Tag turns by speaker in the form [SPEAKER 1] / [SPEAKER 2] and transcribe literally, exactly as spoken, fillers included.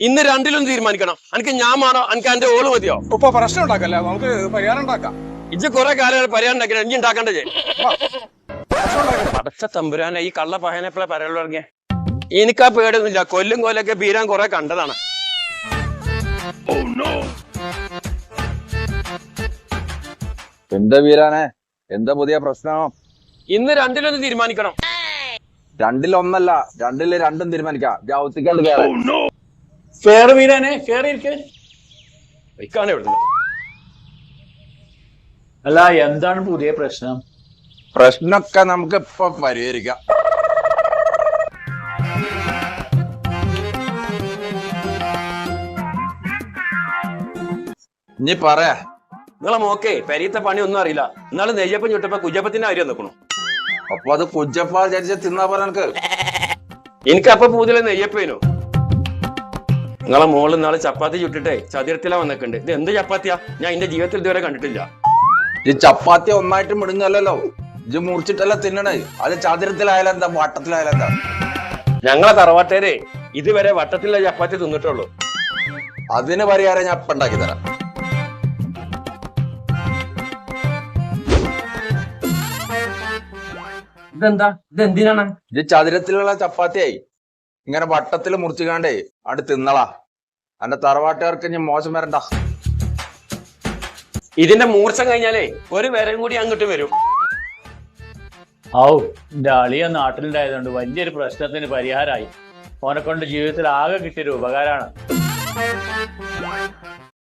[SPEAKER 1] ഇന്ന് രണ്ടിലും തീരുമാനിക്കണം. എനിക്ക് ഞാൻ വേണോ എനിക്ക് എന്റെ ഓള് മതിയോ?
[SPEAKER 2] ഇപ്പൊ പ്രശ്നം ഉണ്ടാക്കല്ലേ, നമുക്ക് പരിഹാരം ഉണ്ടാക്കാം.
[SPEAKER 1] ഇജ്ജ് കുറെ കാലം പരിഹാരം ഉണ്ടാക്കി, ഇനി ഉണ്ടാക്കണ്ടേ? അടച്ച തമ്പുരാനെ ഈ കള്ള പഹനെപ്പോഴെ പറയാൻ തുടങ്ങിയ എനിക്കാ പേടൊന്നുമില്ല. കൊല്ലും കൊല്ലൊക്കെ ബീരാൻ കുറെ കണ്ടതാണ്.
[SPEAKER 3] എന്താ വീരാനെ, എന്താ പുതിയ പ്രശ്നം?
[SPEAKER 1] ഇന്ന് രണ്ടിലൊന്ന് തീരുമാനിക്കണം.
[SPEAKER 3] രണ്ടിലൊന്നല്ല, രണ്ടില് രണ്ടും തീരുമാനിക്കാം. ജാവത്തിക്കാണ്ട്
[SPEAKER 1] ഫേർ വീരാനെ, ഫേർ ഇരിക്കാണ് എവിടെ?
[SPEAKER 4] അല്ല, എന്താണ് പുതിയ പ്രശ്നം?
[SPEAKER 3] പ്രശ്നമൊക്കെ നമുക്ക് ഇപ്പൊ പരിഹരിക്കാം. ഇനി പറയാ.
[SPEAKER 1] നിങ്ങളെ മോക്കേ പെരീത്തെ പണി ഒന്നും അറിയില്ല. എന്നാലും നെയ്യപ്പം ചുട്ടപ്പോ കുജപ്പത്തിന്റെ കാര്യം നിൽക്കണു.
[SPEAKER 3] അപ്പൊ അത് കുജപ്പ വിചാരിച്ച തിന്നാ പോലെ എനിക്ക്
[SPEAKER 1] എനിക്ക് അപ്പൊ പൂതിലെ നെയ്യപ്പേനു. നിങ്ങളെ മോള് നാളെ ചപ്പാത്തി ചുട്ടിട്ടേ ചതുരത്തിലാ വന്നിട്ടുണ്ട്. ഇത് എന്ത് ചപ്പാത്തിയാ? ഞാൻ എന്റെ ജീവിതത്തിൽ ഇതുവരെ കണ്ടിട്ടില്ല.
[SPEAKER 3] ഈ ചപ്പാത്തി ഒന്നായിട്ട് മിടുങ്ങല്ലോ, ഇത് മുറിച്ചിട്ടല്ല തിന്നണേ. അത് ചതുരത്തിലായാലും എന്താ, വട്ടത്തിലായാലും എന്താ?
[SPEAKER 1] ഞങ്ങളെ തറവാട്ടേരെ ഇതുവരെ വട്ടത്തിലുള്ള ചപ്പാത്തി തിന്നിട്ടുള്ളൂ.
[SPEAKER 3] അതിന് പരിഹാരം ഞാൻ ഇപ്പൊ ഉണ്ടാക്കി തരാം.
[SPEAKER 1] ഇതെന്താ? ഇതെന്തിനാണ്?
[SPEAKER 3] ഇത് ചതുരത്തിലുള്ള ചപ്പാത്തിയായി ഇങ്ങനെ വട്ടത്തിൽ മുറിച്ചുകാണ്ടേ അവിടെ തിന്നളാ. എന്റെ തറവാട്ടുകാർക്ക് ഞാൻ മോശം വരണ്ട.
[SPEAKER 1] ഇതിന്റെ മൂർച്ച കഴിഞ്ഞാലേ ഒരു വരം കൂടി അങ്ങോട്ട് വരും.
[SPEAKER 4] ഔ, എന്റെ അളിയ നാട്ടിലുണ്ടായതുകൊണ്ട് വലിയൊരു പ്രശ്നത്തിന് പരിഹാരമായി. ഓനെ കൊണ്ട് ജീവിതത്തിൽ ആകെ കിട്ടിയൊരു ഉപകാരമാണ്.